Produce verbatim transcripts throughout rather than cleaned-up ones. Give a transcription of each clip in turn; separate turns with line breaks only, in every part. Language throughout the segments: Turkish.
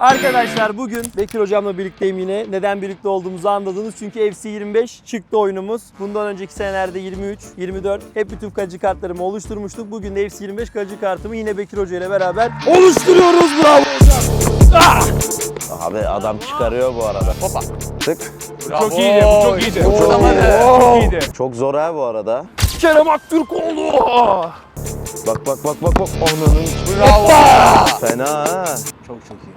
Arkadaşlar bugün Bekir hocamla birlikteyim yine. Neden birlikte olduğumuzu anladınız. Çünkü F C yirmi beş çıktı oyunumuz. Bundan önceki senelerde yirmi üç, yirmi dört hep bütün kaleci kartlarımı oluşturmuştuk. Bugün de F C yirmi beş kaleci kartımı yine Bekir Hoca ile beraber oluşturuyoruz. Bravo hocam. Ah!
Abi adam çıkarıyor bu arada.
Hoppa.
Tık.
Bravo.
Çok iyiydi, bu çok iyiydi.
Oo.
Çok iyiydi. Çok iyiydi.
Çok zor ha bu arada.
Kerem Aktürkoğlu.
Bak bak bak bak bak. Ananın.
Bravo.
Fena ha.
Çok çok iyi.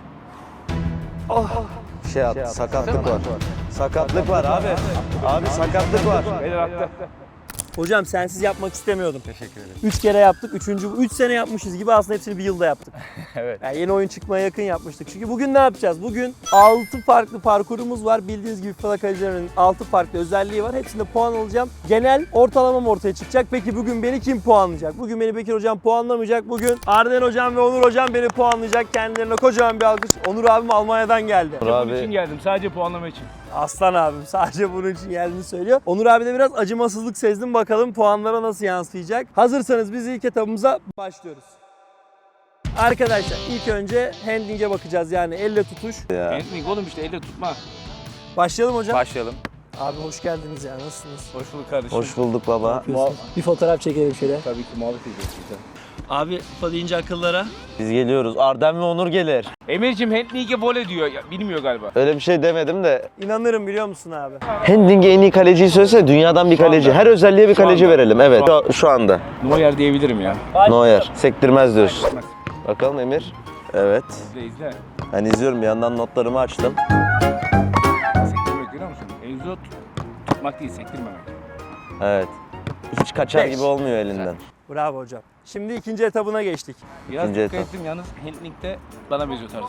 Şey attı, sakatlık var. Sakatlık var abi. Abi sakatlık var.
Beyler attı.
Hocam sensiz yapmak istemiyordum.
Teşekkür ederim.
üç kere yaptık. Üçüncü, üç sene yapmışız gibi aslında hepsini bir yılda yaptık.
Evet.
Yani yeni oyun çıkmaya yakın yapmıştık. Çünkü bugün ne yapacağız? Bugün altı farklı parkurumuz var. Bildiğiniz gibi FIFA kalecilerinin altı farklı özelliği var. Hepsinde puan alacağım. Genel ortalamam ortaya çıkacak. Peki bugün beni kim puanlayacak? Bugün beni Bekir hocam puanlamayacak. Bugün Arden hocam ve Onur hocam beni puanlayacak. Kendilerine kocaman bir alkış. Onur abim Almanya'dan geldi.
Onur
Bunun için
abi.
geldim. Sadece puanlama için.
Aslan abim sadece bunun için geldiğini söylüyor. Onur abi de biraz acımasızlık sezdim. Bakalım puanlara nasıl yansıyacak. Hazırsanız biz ilk etabımıza başlıyoruz. Arkadaşlar ilk önce handling'e bakacağız, yani elle tutuş.
Ya.
Handling oğlum işte elle tutma.
Başlayalım hocam.
Başlayalım.
Abi hoş geldiniz ya, nasılsınız?
Hoş bulduk kardeşim.
Hoş bulduk baba.
Bir fotoğraf çekelim şöyle.
Tabii ki muhabbet edeceğiz güzel.
Abi FIFA deyince akıllara.
Biz geliyoruz. Arden ve Onur gelir.
Emir'cim handling'e vole diyor. Ya, bilmiyor galiba.
Öyle bir şey demedim de.
İnanırım biliyor musun abi?
Handling'e en iyi kaleciyi söylesene. Dünyadan bir kaleci.
anda.
Her özelliğe bir
Şu
kaleci
anda.
verelim. Evet.
Şu
Şu, şu anda.
Neuer diyebilirim ya.
Neuer. Sektirmez diyorsun.
Sektirmez.
Bakalım Emir. Evet.
İzle izle.
Ben izliyorum. Bir yandan notlarımı açtım.
Sektirmek görüyor musun? Enzo tut- tutmak değil, sektirmemek.
Evet. Hiç kaçar
Beş.
gibi olmuyor elinden.
Bravo hocam. Şimdi ikinci etabına geçtik.
Biraz
İkinci
dikkat
etap.
ettim yalnız handling'de bana benziyor tarzı.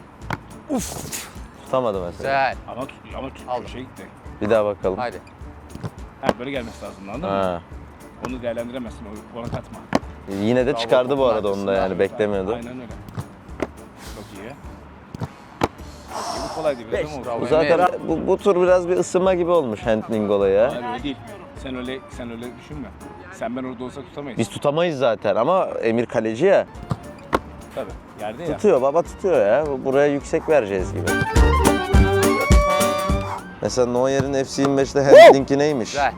Uf.
Tutamadı mesela.
Güzel.
Ama tut, ama tut,
Aldım.
şey gitti.
Bir daha bakalım.
Haydi.
Ha böyle gelmesi lazım anladın mı?
Ha.
Onu değerlendiremezsin, o- ona katma.
Yine de
Bravo,
çıkardı bu arada
topun
onu da, yani
arkasında.
beklemiyordum.
Aynen öyle. Çok iyi. Çok iyi. Bu kolaydı biraz
Beş.
ama olsun.
Bravo.
Bu zaten
Emir.
bu, bu tur biraz bir ısınma gibi olmuş handling olayı ya.
Hayır öyle değil. Sen öyle sen öyle düşünme. Sen ben orada olsa tutamayız.
Biz tutamayız zaten ama Emir kaleci ya.
Tabii. Yerde ya.
Tutuyor baba, tutuyor ya. Buraya yüksek vereceğiz gibi. Mesela Neuer'in F C yirmi beşte handling'i neymiş?
Güzel.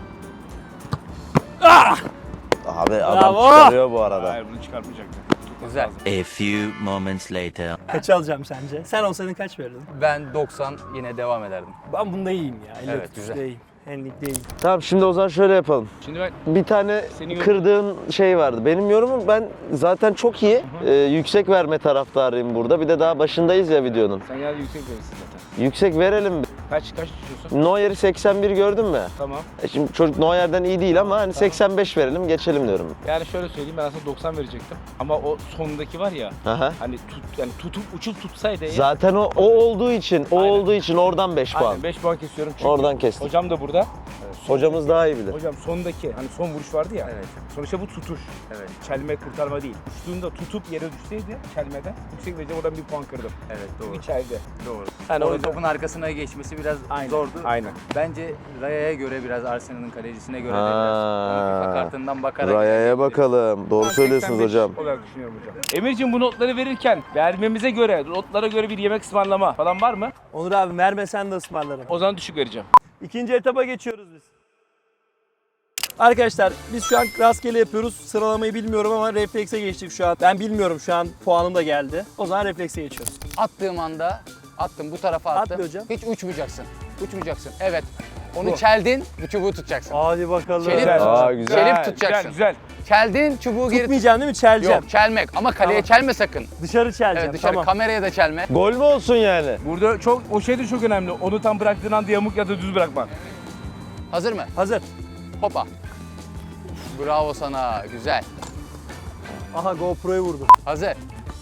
Abi adam
Bravo.
çıkarıyor bu arada.
Hayır bunu çıkartmayacaktı. Tutması
Güzel.
lazım.
A few moments later.
Kaç alacağım sence? Sen olsaydın kaç verirdin?
Ben doksan yine devam ederdim.
Ben bunda iyiyim ya. Elle
Evet,
tutuşta
güzel.
iyiyim. Handling değil.
Tamam, şimdi o zaman şöyle yapalım.
Şimdi ben
Bir tane
Senin yorum-
kırdığın şey vardı. Benim yorumum, ben zaten çok iyi. Ee, yüksek verme taraftarıyım burada. Bir de daha başındayız ya videonun.
sen yani yüksek verirsin zaten.
Yüksek verelim.
Kaç kaç düşüyorsun?
Neuer'i seksen bir gördün mü?
Tamam.
E şimdi çocuk Neuer'den iyi değil ama hani seksen beş verelim, geçelim diyorum.
Yani şöyle söyleyeyim, ben aslında doksan verecektim. Ama o sondaki var ya,
Aha.
hani tut yani tutup uçup tutsaydı eğer-
Zaten o o olduğu için, o
Aynen.
olduğu için oradan beş puan.
Aynen beş puan kesiyorum çünkü.
Oradan kestik.
Hocam da burada.
Hocamız daha iyi bilir.
Hocam sondaki hani son vuruş vardı ya.
Evet.
Sonuçta bu tutuş.
Evet.
Çelme kurtarma değil. Uçtuğunda tutup yere düşseydi çelmeden yüksek vereceğim, oradan bir puan kırdım.
Evet doğru.
İçeride.
Doğru.
Yani
Orada
orada-
topun arkasına geçmesi biraz
Aynen.
zordu.
Aynen.
Bence Raya'ya göre biraz, Arsenal'ın kalecisine göre de
Ha.
biraz. Onu FIFA kartından bakarak.
Raya'ya bakalım. Doğru
Ben
söylüyorsunuz
seksen beş
hocam.
olarak düşünüyorum hocam. Emir'cim bu notları verirken vermemize göre, notlara göre bir yemek ısmarlama falan var mı?
Onur abi vermesen de ısmarlarım.
O zaman düşük vereceğim.
İkinci etaba geçiyoruz biz. Arkadaşlar biz şu an rastgele yapıyoruz. Sıralamayı bilmiyorum ama reflekse geçtik şu an. Ben bilmiyorum, şu an puanım da geldi. O zaman reflekse geçiyoruz.
Attığım anda attım, bu tarafa attım.
Atla hocam.
Hiç uçmayacaksın. Uçmayacaksın. Evet. Onu
Bu.
çeldin, bu çubuğu tutacaksın.
Hadi bakalım.
Çelik,
Aa, güzel.
çelip tutacaksın.
Güzel, güzel.
Çeldin, çubuğu geri
Tutmayacaksın değil mi? Çeleceğim.
Yok, çelmek ama kaleye
Tamam.
çelme sakın.
Dışarı çeleceğim.
Evet, dışarı
Tamam.
kameraya da çelme.
Gol mü olsun yani?
Burada çok, o şey de çok önemli. Onu tam bıraktığın anda yamuk ya da düz bırakma.
Hazır mı?
Hazır.
Hopa. Bravo sana, güzel.
Aha GoPro'yu vurdu.
Hazır.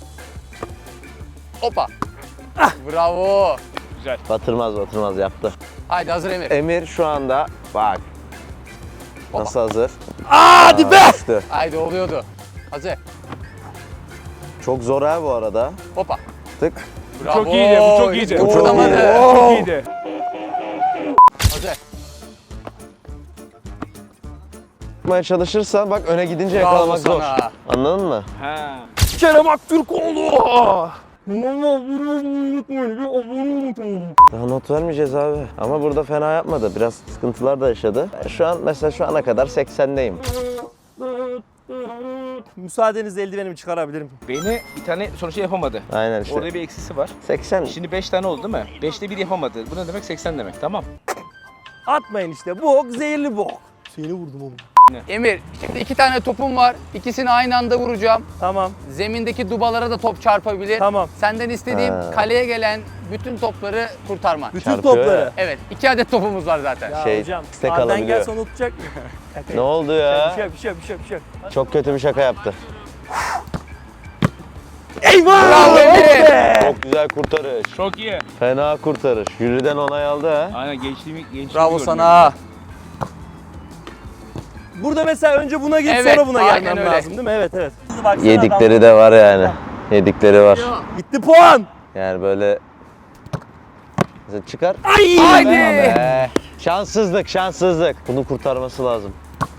Hoppa. Bravo.
Güzel.
Batırmaz batırmaz yaptı.
Haydi hazır Emir.
Emir şu anda bak.
Hoppa.
Nasıl hazır?
Hadi be!
Düştü.
Haydi oluyordu. Hazır.
Çok zor ha bu arada.
Hoppa.
Tık.
Bravo.
Çok iyiydi, bu çok iyiydi.
Hiç
Bu çok
kıpırdamadı.
iyiydi.
Çok iyiydi.
Hazır.
Yapmaya çalışırsan bak, öne gidince
Bravo
yakalamak zor.
sana.
Anladın mı?
Ha.
Kerem Aktürkoğlu.
Daha not vermeyeceğiz abi. Ama burada fena yapmadı. Biraz sıkıntılar da yaşadı. Şu an mesela şu ana kadar seksendeyim.
Müsaadenizle eldivenimi çıkarabilirim.
Beni bir tane sonuçta yapamadı.
Aynen işte.
Orada bir eksisi var.
seksen.
Şimdi beş tane oldu değil mi? beşte bir yapamadı. Bu ne demek? seksen demek. Tamam.
Atmayın işte. Bok, zehirli bok. Seni vurdum oğlum.
Emir, şimdi iki tane topum var. İkisini aynı anda vuracağım.
Tamam,
Zemindeki dubalara da top çarpabilir.
tamam.
Senden istediğim
Ha.
kaleye gelen bütün topları kurtarman.
Bütün
Çarpıyor
topları.
ya.
Evet, iki adet topumuz var zaten.
Ya
Şey,
hocam,
tek
Arden
alabiliyor.
gelse onu tutacak mı?
Ne oldu
Bir
ya?
şey, bir şey, bir şey, bir şey.
Çok kötü bir şaka yaptı.
Eyvah!
Bravo Emir!
Be!
Çok güzel kurtarış.
Çok iyi.
Fena kurtarış. Jüriden onay aldı ha.
Aynen gençliğimi, gençliğimi
Bravo
gördüm.
sana.
Burada mesela önce buna git
Evet,
sonra buna
aynen
gelmem
öyle.
lazım değil mi? Evet, evet. Baksana
Yedikleri de var yani. Yedikleri var.
adam- Gitti puan.
Yani böyle mesela çıkar.
Ay!
Haydi!
Be. Şanssızlık, şanssızlık. Bunu kurtarması lazım.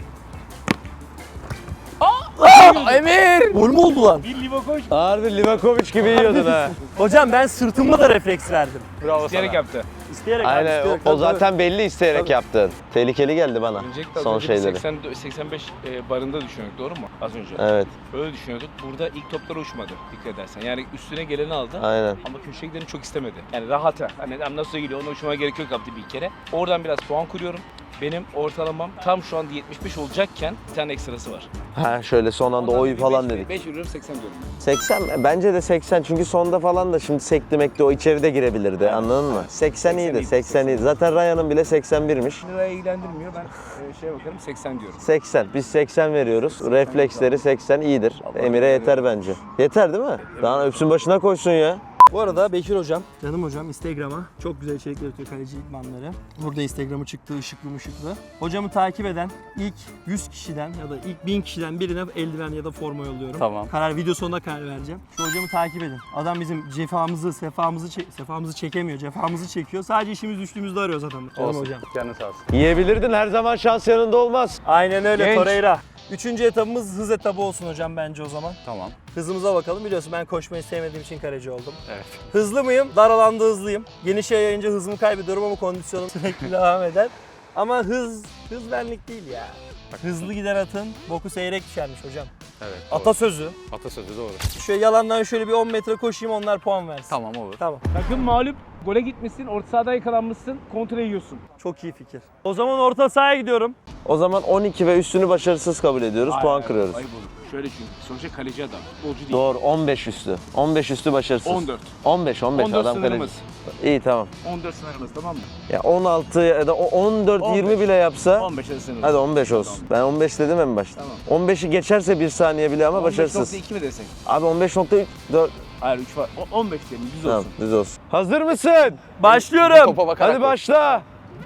Emir!
Gol mü oldu lan?
Bir Livakovic
Harbi Livakovic gibi yiyordun ha.
Hocam ben sırtımla da refleks verdim.
Bravo
isteyerek yaptı.
İsteyerek abi,
Aynen o,
isteyerek.
o
Tabii,
zaten belli isteyerek
Tabii.
yaptın. Tehlikeli geldi bana
Öncelikle az
son
önce
şeyleri.
seksen, seksen beş e, barında düşünüyorduk, doğru mu? Az önce.
Evet,
Öyle düşünüyorduk. Burada ilk toplar uçmadı dikkat edersen. Yani üstüne geleni aldı.
aynen.
Ama köşeye gideni çok istemedi. Yani rahata. Hani nasıl geliyor ona uçmama gerek yok yaptı bir kere. Oradan biraz puan kuruyorum. Benim ortalamam tam şu anda yetmiş beş olacakken bir tane ekstrası var.
Ha şöyle son anda oy falan dedik.
beş vuruyorum seksen diyorum.
seksen mi? Bence de seksen çünkü sonda falan da şimdi sekti mekti o içeride girebilirdi anladın mı? seksen iyiydi,
iyiydi,
seksen iyiydi. Zaten Ryan'ın bile seksen birmiş.
Liraya ilgilendirmiyor. Ben e, şeye bakarım seksen diyorum.
seksen. Biz seksen veriyoruz. Refleksleri seksen iyidir. Emir'e yeter bence. Yeter değil mi? Daha öpsün başına koysun ya.
Bu arada Bekir hocam, canım hocam Instagram'a çok güzel içerikler atıyor kaleci idmanları. Burada Instagram'ı çıktı ışıklı ışıklı. Hocamı takip eden ilk yüz kişiden ya da ilk bin kişiden birine eldiven ya da forma yolluyorum.
Tamam.
Karar video sonunda karar vereceğim. Şu hocamı takip edin. Adam bizim cefamızı, sefamızı, çe- sefamızı çekemiyor, cefamızı çekiyor. Sadece işimiz düştüğümüzde arıyoruz adamı. Canım
Olsun.
hocam.
Canın sağ olsun.
Yiyebilirdin her zaman şans yanında olmaz.
Aynen öyle
Genç.
Torreira. Üçüncü etabımız hız etabı olsun hocam bence o zaman.
Tamam.
Hızımıza bakalım. Biliyorsun ben koşmayı sevmediğim için kaleci oldum.
Evet.
Hızlı mıyım? Dar alanda hızlıyım. Geniş yayınca hızımı kaybediyorum ama kondisyonum sürekli devam eder. Ama hız, hız benlik değil ya. Hızlı giden atın boku seyrek düşermiş hocam.
Evet.
Atasözü.
Atasözü doğru.
Şöyle yalandan şöyle bir on metre koşayım onlar puan versin.
Tamam olur.
Tamam.
Takım mağlup, gole gitmişsin, orta sahada yakalanmışsın, kontra yiyorsun.
Çok iyi fikir. O zaman orta sahaya gidiyorum.
O zaman on iki ve üstünü başarısız kabul ediyoruz.
Hayır,
puan
hayır,
kırıyoruz.
Ayıp olur. Şöyle çünkü sonuçta kaleci adam, futbolcu değil.
Doğru on beş üstü. on beş üstü başarısız.
on dört.
on beş on beş
on dört
adam kaleci.
sınırımız.
İyi tamam.
on dört sınırımız tamam mı?
Ya on altı ya da o on dört yirmi
on beş.
bile yapsa
on beş sınırımız.
hadi on beş olsun. Ben on beş dedim en başta.
Tamam.
on beşi geçerse bir saniye bile ama başarısız.
on beş nokta iki mi desek?
Abi on beş nokta dört.
Hayır üç var. O- on beş diyelim düz
Tamam
olsun.
düz olsun. Hazır mısın?
Başlıyorum.
Topa bakarak.
Hadi başla.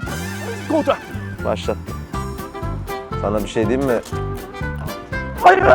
Kontra.
Başlat. Sana bir şey diyeyim mi?
Hayır.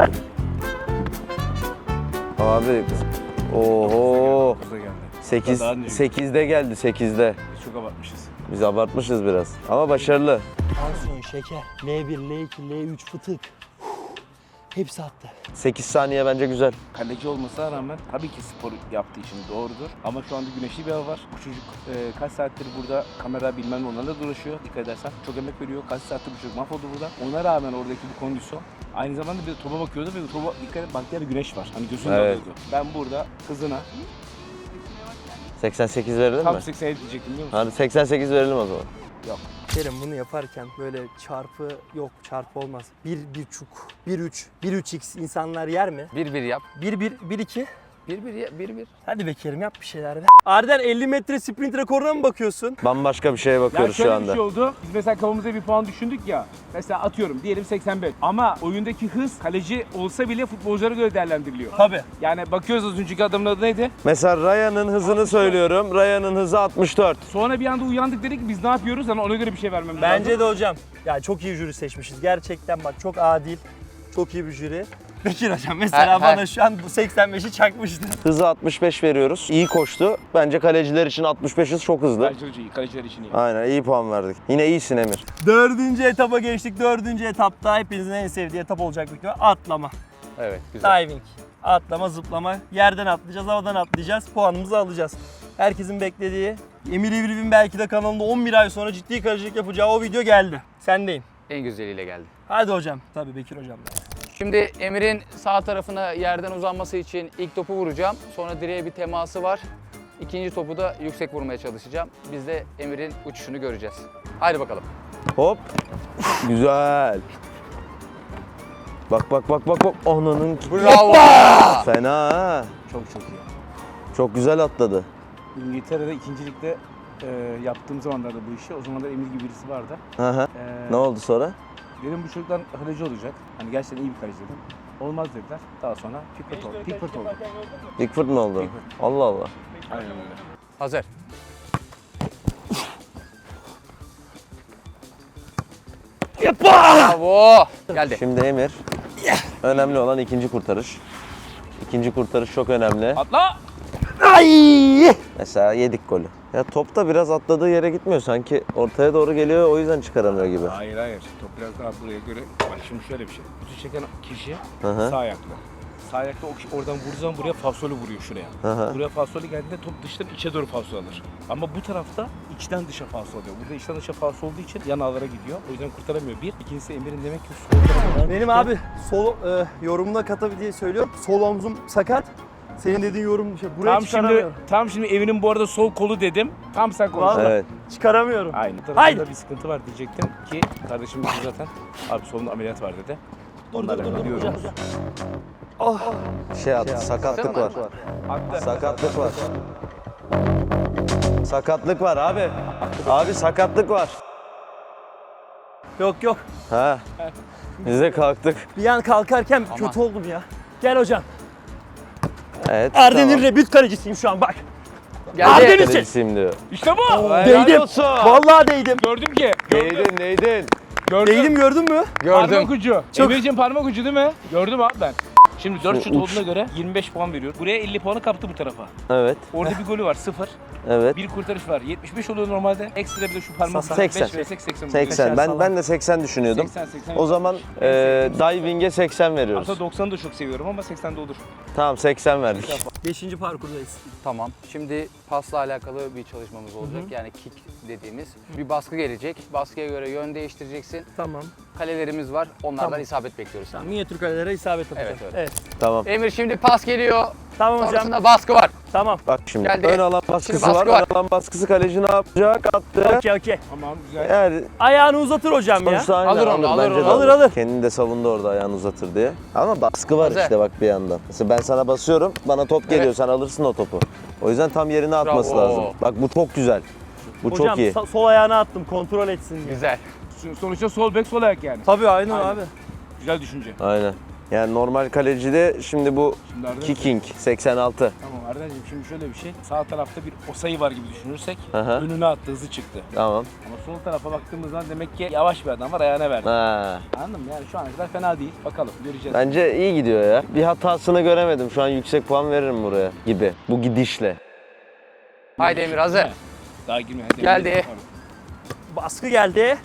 Abi oho.
Burada geldi.
sekiz
Daha ne?
sekizde geldi sekizde.
Biz çok abartmışız.
Biz abartmışız biraz. Ama başarılı.
Tansiyon, şeker. L bir, L iki, L üç fıtık. Hepsi attı.
sekiz saniye bence güzel.
Kaleci olmasına rağmen tabii ki spor yaptığı için doğrudur. Ama şu anda güneşli bir hava var. Bu çocuk e, kaç saattir burada kamera bilmem ne onlarla dolaşıyor. Dikkat edersen çok emek veriyor. Kaç saattir bu çocuk mahvoldu burada. Ona rağmen oradaki bu kondisyon. Aynı zamanda bir de topa bakıyordu ve topa dikkat et baktığı yerde güneş var. Hani gözünü
Evet.
alıyordu. Ben burada hızına
seksen sekiz verelim
tam
mi?
seksen yedi diyecektim biliyor musun?
Hadi seksen sekiz verelim o zaman.
Kerim bunu yaparken böyle çarpı yok çarpı olmaz. bir, bir çuk, bir üç, bir üç x insanlar yer mi?
Bir bir yap.
bir, bir, bir iki.
Bir bir ya- bir bir.
Hadi be Kerim yap bir şeyler be. Arden elli metre sprint rekoruna mı bakıyorsun?
Bambaşka bir şeye
Ya
bakıyoruz
şöyle
şu
bir
anda.
şey oldu. Biz mesela kafamıza bir puan düşündük ya. Mesela atıyorum diyelim seksen beş. Ama oyundaki hız kaleci olsa bile futbolculara göre değerlendiriliyor.
Tabii.
Yani bakıyoruz az önceki adamın adı neydi?
Mesela Ryan'ın hızını söylüyorum. Ryan'ın hızı altmış dört.
Sonra bir anda uyandık dedik ki biz ne yapıyoruz? Hani ona göre bir şey vermemiz lazım.
Bence de hocam. Ya çok iyi jüri seçmişiz. Gerçekten bak çok adil. Çok iyi bir jüri. Bekir hocam mesela
Ha, ha.
bana şu an bu seksen beşi çakmıştı.
Hızı altmış beş veriyoruz. İyi koştu. Bence kaleciler için altmış beş hız çok hızlı.
Kaleciler için iyi, kaleciler için iyi.
Aynen iyi puan verdik. Yine iyisin Emir.
Dördüncü etapa geçtik. Dördüncü etapta hepinizin en sevdiği etap olacak büyük ihtimalle atlama.
Evet güzel.
Diving. Atlama, zıplama. Yerden atlayacağız, havadan atlayacağız. Puanımızı alacağız. Herkesin beklediği, Emir İvriv'in belki de kanalında on bir ay sonra ciddi kalecilik yapacağı o video geldi. Sendeyim.
En güzeliyle geldi.
Hadi hocam. Tabii Bekir hocam da.
Şimdi Emir'in sağ tarafına yerden uzanması için ilk topu vuracağım. Sonra direğe bir teması var. İkinci topu da yüksek vurmaya çalışacağım. Biz de Emir'in uçuşunu göreceğiz. Haydi bakalım.
Hop. Güzel. Bak bak bak bak bak. Ananın
Bravo.
fena ha.
Çok çok iyi.
Çok güzel atladı.
İngiltere'de ikincilikte e, yaptığım zamanlarda bu işi, o zamanlar Emir gibi birisi vardı.
Hı hı.
E,
Ne oldu sonra?
Dedim bu çocuklar kaleci olacak. Hani gerçekten iyi bir kaleci dedim. Olmaz dediler. Daha sonra Pickford oldu. Pickford oldu.
Pickford mu oldu?
Pickford.
Allah Allah.
Aynen öyle.
Hazır. Bravo. Geldi.
Şimdi Emir. Önemli olan ikinci kurtarış. İkinci kurtarış çok önemli.
Atla!
Ay!
Mesela yedik golü. Ya top da biraz atladığı yere gitmiyor. Sanki ortaya doğru geliyor, o yüzden çıkaramıyor gibi.
Hayır hayır. Top biraz daha buraya göre. Bak şimdi şöyle bir şey. Kutu çeken kişi
Hı hı.
sağ ayaklı. Sağ ayaklı o kişi oradan vurduğu zaman buraya falsolu vuruyor şuraya.
Hı hı.
Buraya falsolu geldiğinde top dıştan içe doğru falso alır. Ama bu tarafta içten dışa falso oluyor. Burada içten dışa falso olduğu için yan ağlara gidiyor. O yüzden kurtaramıyor. Bir. İkincisi Emir'in demek ki sol tarafından
Benim abi sol e, yorumuna katabil diye söylüyorum. Sol omzum sakat. Senin dediğin yorum şey buraya
Tam şimdi,
çıkaramıyorum.
tam şimdi evinin bu arada sol kolu dedim. Tam sen konuştun.
Vallahi.
Evet.
Çıkaramıyorum.
Aynı.
Haydi.
Tarafında bir sıkıntı var diyecektim ki kardeşim dedi zaten. Abi solunda ameliyat var dedi.
Dur dur
Onları
dur dur
biliyoruz.
hocam. Oh.
Şey attı, sakatlık var.
Attı.
Sakatlık var. Sakatlık var abi. Abi sakatlık var.
Yok yok.
Ha. Biz de kalktık.
Bir an kalkarken
Aman.
kötü oldum ya. Gel hocam.
Evet.
Arden'in
tamam.
rebüt kalecisiyim şu an bak.
Geldi.
Ardeniz-
Kalecisiyim diyor.
İşte bu.
Helal
Değdim.
olsun.
Vallahi değdim.
Gördüm ki. Gördüm.
Değdin, değdin.
Gördüm.
Değdim gördün mü?
Parmak
Gördüm.
ucu.
Çok-
Emir'cim parmak ucu değil mi? Gördüm abi ben. Şimdi dört
Şu
şut
uç.
olduğuna göre yirmi beş puan veriyor. Buraya elli puanı kaptı bu tarafa.
Evet,
Orada bir golü var sıfır.
evet.
Bir kurtarış var. yetmiş beş oluyor normalde. Ekstra bir de şu parmak ucu.
seksen.
beş versek seksen oluyor.
seksen. Ben ben de seksen düşünüyordum.
seksen, seksen.
O zaman e, diving'e seksen veriyoruz.
Aslında doksanı da çok seviyorum ama seksen de olur.
Tamam, seksen verdik.
Beşinci parkurdayız.
Tamam. Şimdi pasla alakalı bir çalışmamız olacak. Yani kick dediğimiz. Bir baskı gelecek. Baskıya göre yön değiştireceksin.
Tamam.
Kalelerimiz var. Onlardan
Tamam.
isabet bekliyoruz.
Tamam. Minyatür kalelere isabet yapacağım.
Evet,
evet.
Tamam.
Emir şimdi pas geliyor.
Tamam hocam.
Sonrasında baskı var.
Tamam.
Bak şimdi
Geldi.
ön alan baskısı
Şimdi baskı
var.
var.
Ön alan baskısı kaleci ne yapacak? Attı.
Okey okey.
Tamam güzel.
Yani
Ayağını uzatır hocam ya.
sonuçta aynen
Alır onu, alır
bence
onu.
de
Alır, alır.
Kendini de savundu orada ayağını uzatır diye. Ama baskı var
Hazır.
işte bak bir yandan. Mesela ben sana basıyorum, bana top geliyor,
Evet.
sen alırsın o topu. O yüzden tam yerine atması
Bravo.
lazım. Bak bu çok güzel. Bu
Hocam
çok iyi.
sa- sol ayağına attım kontrol etsin diye.
Güzel.
Sonuçta sol bek sol ayak yani.
Tabii aynen,
Aynen.
abi.
Güzel düşünce.
Aynen. Yani normal kalecide şimdi bu
Şimdi Arda,
kicking seksen altı.
tamam Arda'cığım şimdi şöyle bir şey. Sağ tarafta bir osayı var gibi düşünürsek
Aha.
önüne attı hızı çıktı.
Tamam.
Ama sol tarafa baktığımız zaman demek ki yavaş bir adam var ayağına verdi.
Ha.
Anladın mı? Yani şu ana kadar fena değil. Bakalım göreceğiz.
Bence iyi gidiyor ya. Bir hatasını göremedim. Şu an yüksek puan veririm buraya gibi. Bu gidişle.
Haydi Emir hazır.
He. Daha girme. Hadi
Geldi.
Emre.
Baskı geldi.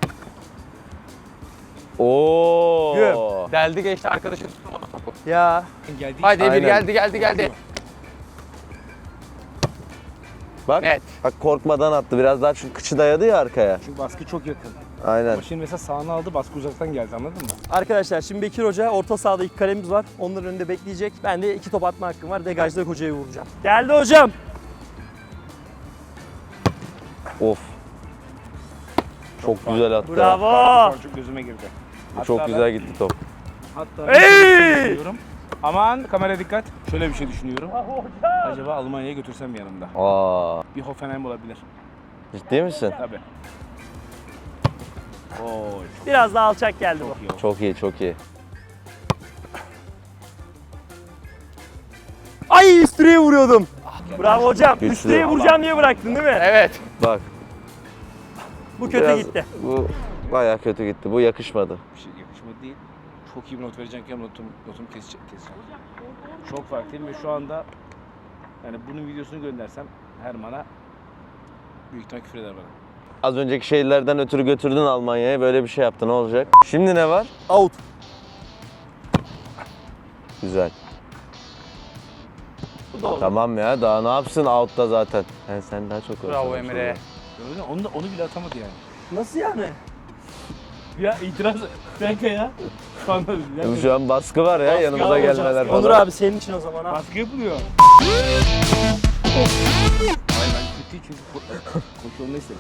Oo.
Güm.
Deldi geçti arkadaşım.
Ya.
Geldi.
Haydi Emir
Aynen.
geldi geldi geldi.
Bak.
Evet.
Bak korkmadan attı. Biraz daha çünkü kıçı dayadı ya arkaya.
Çünkü baskı çok yakın.
Aynen.
Ama şimdi mesela sağını aldı baskı uzaktan geldi anladın mı?
Arkadaşlar şimdi Bekir Hoca orta sahada iki kalemiz var. Onların önünde bekleyecek. Ben de iki top atma hakkım var. Degajda hocayı vuracağım. Geldi hocam.
Of. Çok güzel attı.
Bravo.
Şu an çok gözüme girdi.
Bu Çok
Hatta
güzel
ben-
gitti top.
Hatta
Hey!
ben şöyle düşünüyorum. Aman kamera dikkat. Şöyle bir şey düşünüyorum. Acaba Almanya'ya götürsem yanımda.
Aa.
Bir Hoffenheim olabilir.
Ciddi misin?
Tabii. Oo,
Biraz daha alçak geldi bu.
çok iyi oldu.
Çok iyi, çok iyi.
Ay üstüne vuruyordum. Bravo hocam.
Güçlü.
Üstüne vuracağım diye bıraktın değil mi?
Evet.
Bak.
Bu kötü
biraz-
gitti.
Bu bayağı kötü gitti. Bu yakışmadı.
Bir şey yakışmadı değil. Çok iyi bir not vereceğim ki notum, notumu keseceğim. keseceğim. Çok farklıyım ve şu anda yani bunun videosunu göndersem Herman'a büyük ihtimal küfür eder bana.
Az önceki şeylerden ötürü götürdün Almanya'ya. Böyle bir şey yaptı. Ne olacak? Şimdi ne var?
Out.
Güzel.
out'u da olur.
Tamam ya daha ne yapsın out'ta zaten. Yani sen daha çok
Bravo
uğraşıyorsun.
Emre.
Öyle, onu, da, onu bile atamadı yani.
Nasıl yani?
Ya itiraz bir dakika ya. Şu anda
Şimdi Şu an baskı var ya yanımıza
Alacağız.
gelmeler falan.
Onur abi senin için o zaman ha.
baskı yapılıyor. Hayır ben kötü çünkü ko- koşu onu istedi.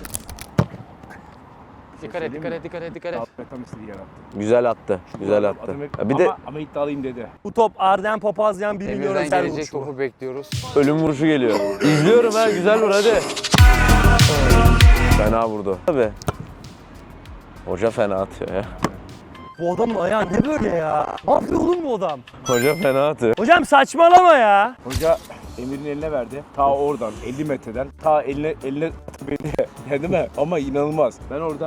Dikkat et, dikkat et, dikkat et, dikkat et.
Altına tam istediği yer attı.
Güzel attı. Güzel attı.
Adam hep-
Ya bir
ama,
de
ama iddialıyım dedi.
Bu top Arden Papazyan bir milyon
Emir'den
özel
gelecek
vuruşu.
topu bekliyoruz.
ölüm vuruşu geliyor. İzliyorum ha güzel vur hadi. Fena vurdu. Tabii. Hoca fena atıyor ya.
Bu adamın ayağı ne böyle ya? Ne yapıyor oğlum bu adam?
Hoca fena atıyor.
Hocam saçmalama ya.
Hoca Emir'in eline verdi. Ta oradan elli metreden ta eline eline beni yani değil mi? Ama inanılmaz. Ben orada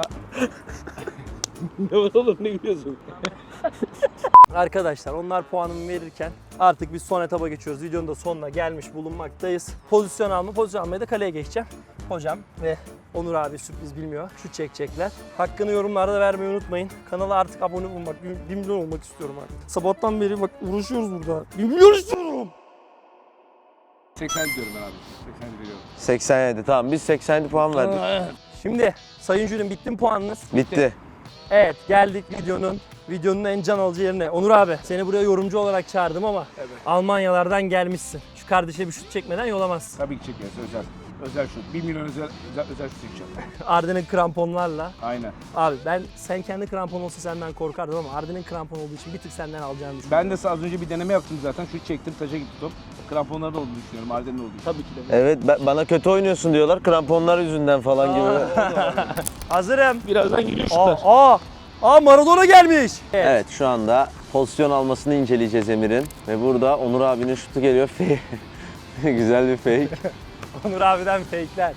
ne var oğlum ne gülüyorsun?
Arkadaşlar onlar puanımı verirken artık biz son etaba geçiyoruz. Videonun da sonuna gelmiş bulunmaktayız. Pozisyon alma, pozisyon almaya da kaleye geçeceğim. Hocam ve Onur abi sürpriz bilmiyor. Şut çekecekler. Hakkını yorumlarda vermeyi unutmayın. Kanala artık abone olmak, bir milyon olmak istiyorum artık. Sabahtan beri bak uğraşıyoruz burada. bir milyon istiyorum.
seksen diyorum ben abi. seksen veriyorum.
seksen yedi tamam biz seksen yedi puan verdik.
Şimdi sayın jürim bitti mi puanınız?
Bitti.
Evet geldik videonun videonun en can alıcı yerine. Onur abi seni buraya yorumcu olarak çağırdım ama
Evet.
Almanyalardan gelmişsin. Şu kardeşe bir şut çekmeden yolamazsın.
Tabii ki çekeriz özel. Özel şut. bir milyon özel özel, özel şut çekeceğim.
Arden'in kramponlarla.
Aynen.
Abi ben sen kendi krampon olsa senden korkardım ama Arden'in krampon olduğu için bir tık senden alacağını düşünüyorum.
Ben de az önce bir deneme yaptım zaten. Şut çektim, taca gitti top. Kramponlarda olduğunu düşünüyorum. Arden'in olduğu için. Tabii ki de.
Evet ben- bana kötü oynuyorsun diyorlar kramponlar yüzünden falan gibi.
Hazırım.
Birazdan geliyor
Aa,
şutlar.
aa, aa Maradona gelmiş. Evet.
Evet şu anda pozisyon almasını inceleyeceğiz Emir'in. Ve burada Onur abinin şutu geliyor. Güzel bir fake.
Onur abiden fake'ler.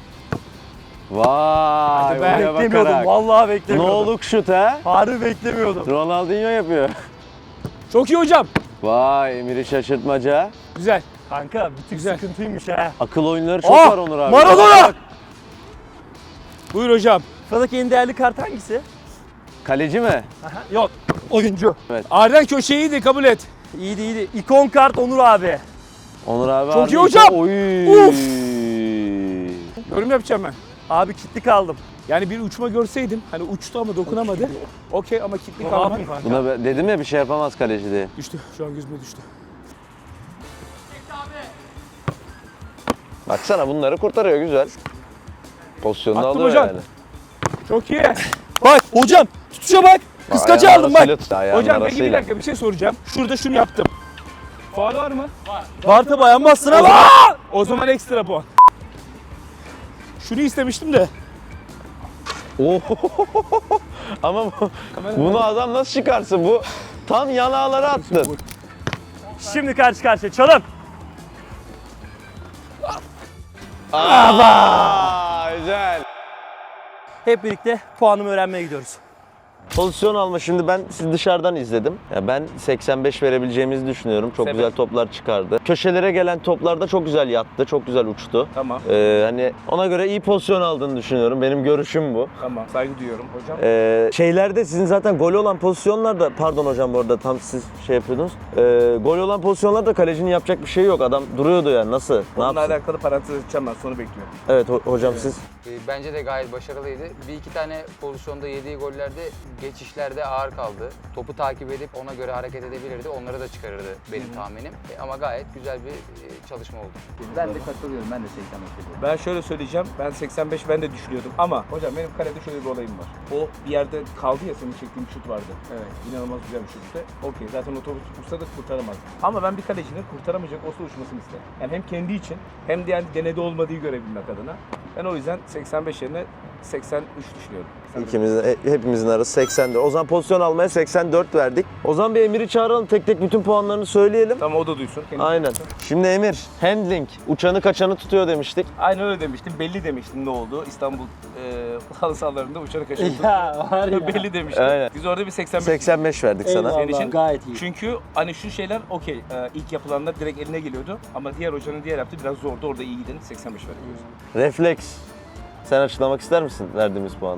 Vay
Ben
oraya
beklemiyordum.
bakarak.
Vallahi
Ne
beklemiyordum.
oluk şut ha?
Harbi beklemiyordum.
Ronaldinho yapıyor.
Çok iyi hocam.
Vay Emir'i şaşırtmaca.
Güzel.
Kanka bir tık sıkıntıymış ha.
Akıl oyunları çok
Aa,
var Onur abi.
Maradona!
Buyur hocam.
Sıradaki en değerli kart hangisi?
Kaleci mi?
Aha, yok. Oyuncu.
Arden köşeyiydi kabul et.
İyiydi iyiydi. İkon kart Onur abi.
Onur abi
Çok
harbi
iyi hocam.
Oy.
Uf. Yorum yapacağım ben.
Abi kilitli kaldım.
Yani bir uçma görseydim, hani uçtu ama dokunamadı. Okey ama kilitli
Ne
kalma.
yapayım kanka?
Buna be- dedim ya bir şey yapamaz kaleci diye.
Düştü. Şu an gözüme düştü.
Baksana bunları kurtarıyor güzel. Pozisyonunu
Attım
alıyor
hocam.
yani.
Çok iyi.
Bak hocam tutuşa bak. Kıskacı
Ayağının
aldım bak.
arasıyla tut, ayağının
Hocam peki bir
arasıyla.
dakika bir şey soracağım. Şurada şunu yaptım. Faul var mı?
Var tabi ayağın ama.
O zaman ekstra puan. Şunu istemiştim de.
Oo. Ama bu, bunu adam nasıl çıkarsın? Bu tam yanağlara attın.
Şimdi karşı karşıya çalım.
Aa, güzel.
Hep birlikte puanımı öğrenmeye gidiyoruz.
Pozisyon alma şimdi ben sizi dışarıdan izledim. Ya ben seksen beş verebileceğimizi düşünüyorum. Çok
Sebep?
güzel toplar çıkardı. Köşelere gelen toplarda çok güzel yattı, çok güzel uçtu.
Tamam.
Ee, hani ona göre iyi pozisyon aldığını düşünüyorum. Benim görüşüm bu.
Tamam. Saygı duyuyorum hocam.
Ee, şeylerde sizin zaten gol olan pozisyonlarda, pardon hocam bu arada tam siz şey yapıyordunuz. Ee, gol olan pozisyonlarda kalecinin yapacak bir şey yok. Adam duruyordu yani nasıl? Ne
Bununla
yapsın?
alakalı parantez açacağım ben. Sonu bekliyorum.
Evet ho- hocam siz.
Ee, Bence de gayet başarılıydı. Bir iki tane pozisyonda yediği gollerde geçişlerde ağır kaldı. Topu takip edip ona göre hareket edebilirdi. Onları da çıkarırdı benim tahminim. E, Ama gayet güzel bir e, çalışma oldu.
Ben de katılıyorum. Ben de seksen beş veriyorum.
Ben şöyle söyleyeceğim. Ben seksen beş ben de düşünüyordum. Ama hocam benim kalede şöyle bir olayım var. O bir yerde kaldı ya senin çektiğin bir şut vardı. Evet. İnanılmaz güzel bir şuttu. Okey zaten o topu tutsa da kurtaramaz. Ama ben bir kalecinin kurtaramayacak olsa uçmasını isterim. Yani hem kendi için hem de yani denede olmadığı görebilmek adına. Ben o yüzden seksen beş yerine seksen üç düşünüyorum.
İkimizin, he- hepimizin arası seksen dört. O zaman pozisyon almaya seksen dört verdik. O zaman bir Emir'i çağıralım. Tek tek bütün puanlarını söyleyelim.
Tamam o da duysun. kendisi
Aynen.
duysun.
Şimdi Emir, handling, uçanı kaçanı tutuyor demiştik.
Aynen öyle demiştim. Belli demiştim ne oldu. İstanbul e, halı sahalarında uçarak kaçırdım.
Ya var ya.
Belli demiştim.
Aynen.
Biz orada bir seksen beş
seksen beş verdik sana.
Senin için-
gayet iyi.
Çünkü hani şu şeyler okey e, ilk yapılanlar direkt eline geliyordu ama diğer hocanın diğer yaptığı biraz zordu. Orada iyi gidin seksen beş veriyoruz.
Refleks. Sen açıklamak ister misin verdiğimiz puanı?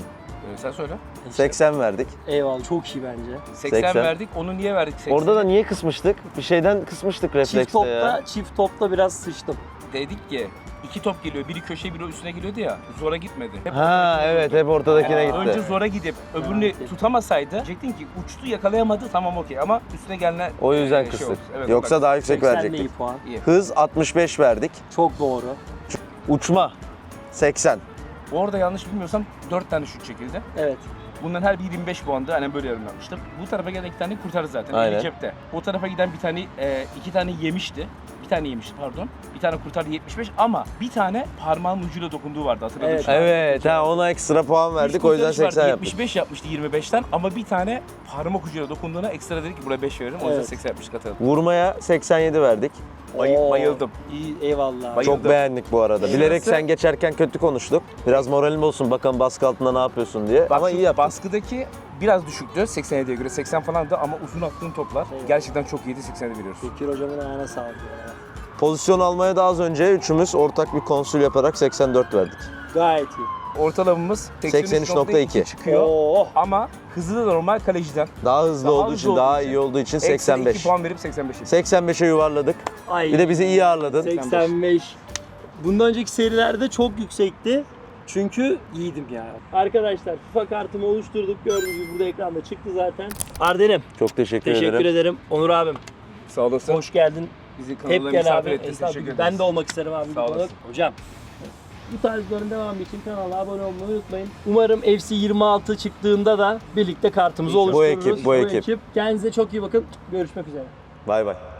Ee, sen söyle.
seksen verdik.
Eyvallah. Çok iyi bence.
seksen,
seksen.
verdik. Onu niye verdik seksen?
Orada da niye kısmıştık? Bir şeyden kısmıştık reflekste
Çift topta,
ya.
çift topta biraz sıçtım.
Dedik ki iki top geliyor. Biri köşeye biri üstüne geliyordu ya. Zora gitmedi. Hep
Ha
ortadakine
evet
vurdu.
hep ortadakine
Yani
gitti.
önce zora gidip öbürünü
Evet.
tutamasaydı diyecektin ki uçtu yakalayamadı tamam okey ama üstüne gelene
O yüzden
e, şey
kıstık.
oldu. Evet,
Yoksa
ondan.
daha yüksek
seksen de iyi
verecektik.
puan.
iyi.
Hız altmış beş verdik.
Çok doğru.
Uçma seksen.
Orada yanlış bilmiyorsam dört tane şut çekildi.
Evet.
Bunların her biri yirmi beş puandı. Hani böyle yorumlamıştım. Bu tarafa gelen iki tane kurtarır zaten.
Aynen.
Eli cepte. O tarafa giden bir tane, e, iki tane yemişti. Bir tane yemişti pardon. Bir tane kurtardı yetmiş beş ama bir tane parmağın ucuyla dokunduğu vardı hatırladın
Evet.
mı?
Evet ha ona ekstra puan verdik o yüzden seksen yaptık.
yetmiş beş yapmıştı yirmi beşten ama bir tane parmak ucuyla dokunduğuna ekstra dedik ki buraya beş veririm. O yüzden
Evet.
seksen yapmış katalım.
Vurmaya seksen yedi verdik.
Bayı-
Oo,
bayıldım.
İyi, eyvallah.
Bayıldım.
Çok beğendik bu arada. Bilerek
Şurası-
sen geçerken kötü konuştuk. Biraz moralim olsun bakalım baskı altında ne yapıyorsun diye.
Bak
Ama
şu
iyi yaptın.
baskıdaki biraz düşüktü seksen yediye göre seksen falandı ama uzun attığın toplar
Evet.
gerçekten çok iyiydi seksen yedi veriyoruz.
Bekir hocamın ayağına sağlık ya.
Pozisyon almaya da az önce üçümüz ortak bir konsül yaparak seksen dört verdik.
Gayet iyi.
Ortalamamız
seksen üç nokta iki
çıkıyor
Oo.
ama hızı da normal kaleciden.
Daha hızlı
Daha
olduğu
hızlı
için,
olduğu
daha
için
iyi olduğu için
Seksen
seksen beş.
iki puan verip seksen beş.
seksen beşe yuvarladık.
Ay.
Bir de bizi iyi ağırladın.
seksen beş. Bundan önceki serilerde çok yüksekti. Çünkü iyiydim ya. Arkadaşlar FIFA kartımı oluşturduk. Gördüğünüz gibi burada ekranda çıktı zaten. Arden'im
Çok teşekkür,
teşekkür
ederim.
ederim. Onur abim
Sağ olasın.
hoş geldin.
Bizi
Hep
kanalına
gel
misafir
abi.
ettiniz.
Estağfurullah.
Teşekkür ederiz.
Ben de olmak isterim abi.
Sağ olasın.
Hocam. Bu tarzların devamı için kanala abone olmayı unutmayın. Umarım F C yirmi altı çıktığında da birlikte kartımızı
Bu
oluştururuz.
ekip, bu ekip.
Kendinize çok iyi bakın. Görüşmek üzere.
Bay bay.